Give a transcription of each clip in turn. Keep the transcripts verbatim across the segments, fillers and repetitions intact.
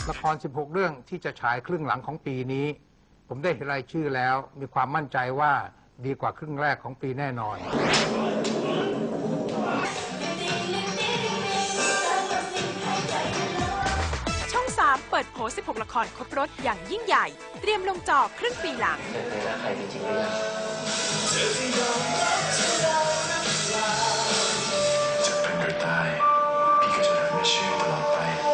ละครสิบหกเรื่องที่จะฉายครึ่งหลังของปีนี้ผมได้เห็นรายชื่อแล้วมีความมั่นใจว่าดีกว่าครึ่งแรกของปีแน่นอนช่องสามเปิดโผสิบหกละครครบรถอย่างยิ่งใหญ่เตรียมลงจอครึ่งปีหลังเคยรักใครจริงๆหรือยังจะเป็นหรือตายพี่ก็จะรักในชีวิตตลอดไป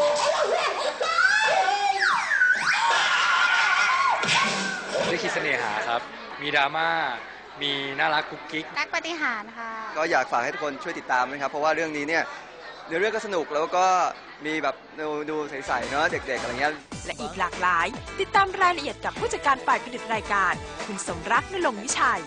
ได้คิดเสน่หาครับมีดราม่ามีน่ารักกุ๊กกิ๊กรักปฏิหารค่ะก็อยากฝากให้ทุกคนช่วยติดตามนะครับเพราะว่าเรื่องนี้เนี่ยเนื้อเรื่องก็สนุกแล้วก็มีแบบดูดูใสๆเนาะเด็กๆอะไรเงี้ยและอีกหลากหลายติดตามรายละเอียดกับผู้จัดการฝ่ายผลิตรายการคุณสมรักนรงค์วิชัย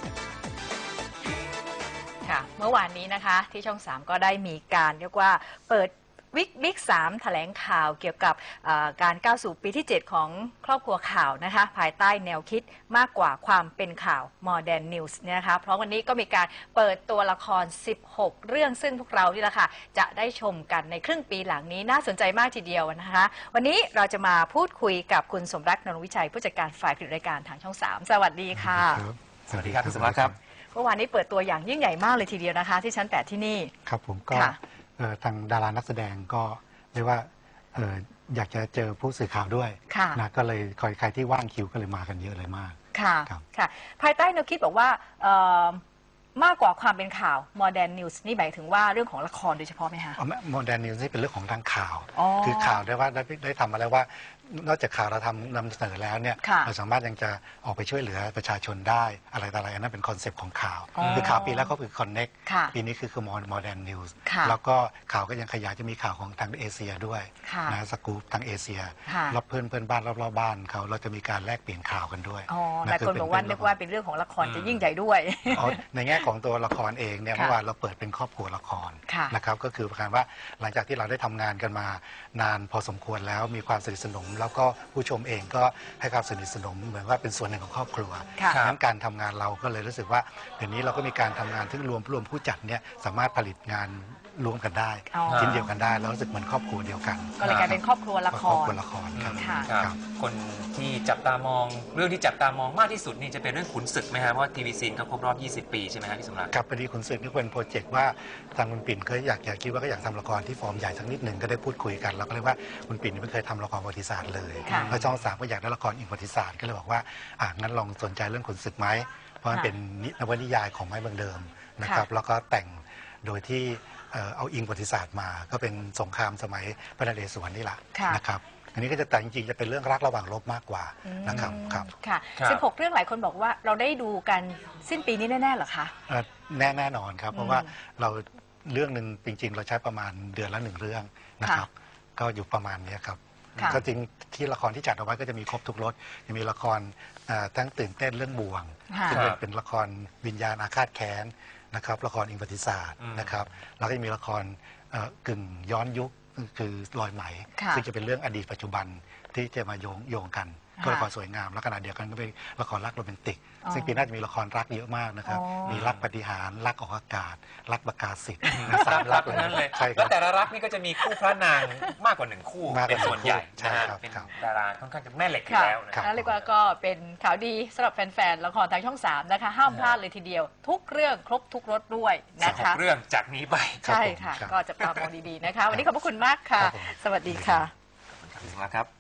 ค่ะเมื่อวานนี้นะคะที่ช่องสามก็ได้มีการเรียกว่าเปิดวิกบิ๊กสามแถลงข่าวเกี่ยวกับการก้าวสู่ปีที่เจ็ดของครอบครัวข่าวนะคะภายใต้แนวคิดมากกว่าความเป็นข่าว Modern News เนี่ยนะคะเพราะวันนี้ก็มีการเปิดตัวละครสิบหกเรื่องซึ่งพวกเรานี่แหละค่ะจะได้ชมกันในครึ่งปีหลังนี้น่าสนใจมากทีเดียวนะคะวันนี้เราจะมาพูดคุยกับคุณสมรัก นรงค์วิชัยผู้จัดการฝ่ายผลิตรายการทางช่องสามสวัสดีค่ะสวัสดีครับคุณสมรักครับเมื่อวานนี้เปิดตัวอย่างยิ่งใหญ่มากเลยทีเดียวนะคะที่ชั้นแปดที่นี่ครับผมก็ทางดารานักแสดงก็เรียกว่าอยากจะเจอผู้สื่อข่าวด้วยนะก็เลยคอยใครที่ว่างคิวก็เลยมากันเยอะเลยมากค่ะค่ะภายใต้แนวคิดบอกว่ามากกว่าความเป็นข่าว Modern News นี่หมายถึงว่าเรื่องของละครโดยเฉพาะไหมคะ Modern News นี่เป็นเรื่องของทางข่าวคือข่าวได้ว่าได้ได้ทำมาแล้วว่านอกจากข่าวเราทำนำเสนอแล้วเนี่ยเราสามารถยังจะออกไปช่วยเหลือประชาชนได้อะไรต่ออะไรอันนั้นเป็นคอนเซปต์ของข่าวคือข่าวปีแล้วก็คือ Connect ปีนี้คือคือ Modern News แล้วก็ข่าวก็ยังขยายจะมีข่าวของทางเอเชียด้วยนะสกู๊ปทางเอเชียรอบเพื่อนเพื่อนบ้านรอบๆบ้านเขาเราจะมีการแลกเปลี่ยนข่าวกันด้วยหลายคนบอกว่าเรียกว่าเป็นเรื่องของละครจะยิ่งใหญ่ด้วยในแง่ของตัวละครเองเนี่ยเมื่อวานเราเปิดเป็นครอบครัวละครนะครับก็คือประการว่าหลังจากที่เราได้ทำงานกันมานานพอสมควรแล้วมีความสนิทสนมแล้วก็ผู้ชมเองก็ให้ความสนิทสนมเหมือนว่าเป็นส่วนหนึ่งของครอบครัวดังนั้นการทำงานเราก็เลยรู้สึกว่าเดี๋ยวนี้เราก็มีการทำงานที่รวมรวมผู้จัดเนี่ยสามารถผลิตงานรวมกันได้ชิ้นเดียวกันได้แล้วรู้สึกเหมือนครอบครัวเดียวกันก็เลยกลายเป็นครอบครัวละครครอบครัวละครครับคนที่จับตามองเรื่องที่จับตามองมากที่สุดนี่จะเป็นเรื่องขุนศึกไหมครับเพราะทีวีซีนเขาครบรอบยี่สิบปีใช่ไหมครับพี่สมรักครับพอดีขุนศึกนี่เป็นโปรเจกต์ว่าทางคุณปิ่นเคยอยากอยากคิดว่าก็อยากทำละครที่ฟอร์มใหญ่สักนิดหนึ่งก็ได้พูดคุยกันเราก็เลยว่าคุณปิ่นไม่เคยทำละครประวัติศาสตร์เลยแล้วช่องสามก็อยากได้ละครอิงประวัติศาสตร์ก็เลยบอกว่าอ่ะงั้นลองสนใจเรื่องขุนศึกไหมเพราะมันเป็นนวนิยายของไม้เมืองเดิมนะครับแล้วก็แต่งโดยที่เอาอิงประวัติศาสตร์มาก็เป็นสงครามสมัยพระนเรศวรนี่แหละนะครับอันนี้ก็จะแต่จริงๆจะเป็นเรื่องรักระหว่างรบมากกว่านะครับครับค่ะสิบหกเรื่องหลายคนบอกว่าเราได้ดูกันสิ้นปีนี้แน่ๆหรอคะแน่แน่นอนครับเพราะว่าเราเรื่องหนึ่งจริงๆเราใช้ประมาณเดือนละหนึ่งเรื่องนะครับก็อยู่ประมาณนี้ครับก็จริงที่ละครที่จัดเอาไว้ก็จะมีครบทุกรสจะมีละครทั้งตื่นเต้นเรื่องบ่วงซึ่งเป็นละครวิญญาณอาฆาตแค้นนะครับละครอิงประวัติศาสตร์นะครับแล้วก็จะมีละครกึ่งย้อนยุคคือรอยไหมซึ่งจะเป็นเรื่องอดีตปัจจุบันที่จะมาโยงโยงกันก็ละครสวยงามและขณะเดียวกันก็เป็นละครรักโรแมนติกซึ่งปีหน้าจะมีละครรักเยอะมากนะครับมีรักปฏิหารรักออกอากาศรักประกาศสิทธิ์สามรักนั้นเลยแล้วแต่ละรักนี่ก็จะมีคู่พระนางมากกว่าหนึ่งคู่เป็นส่วนใหญ่นะฮะเป็นดาราค่อนข้างจะแม่เหล็กอยู่แล้วนะเรียกว่าก็เป็นข่าวดีสำหรับแฟนๆละครทางช่องสามนะคะห้ามพลาดเลยทีเดียวทุกเรื่องครบทุกรสด้วยนะคะเรื่องจากนี้ไปใช่ค่ะก็จะตามองดีๆนะคะวันนี้ขอบพระคุณมากค่ะสวัสดีค่ะขอบคุณครับ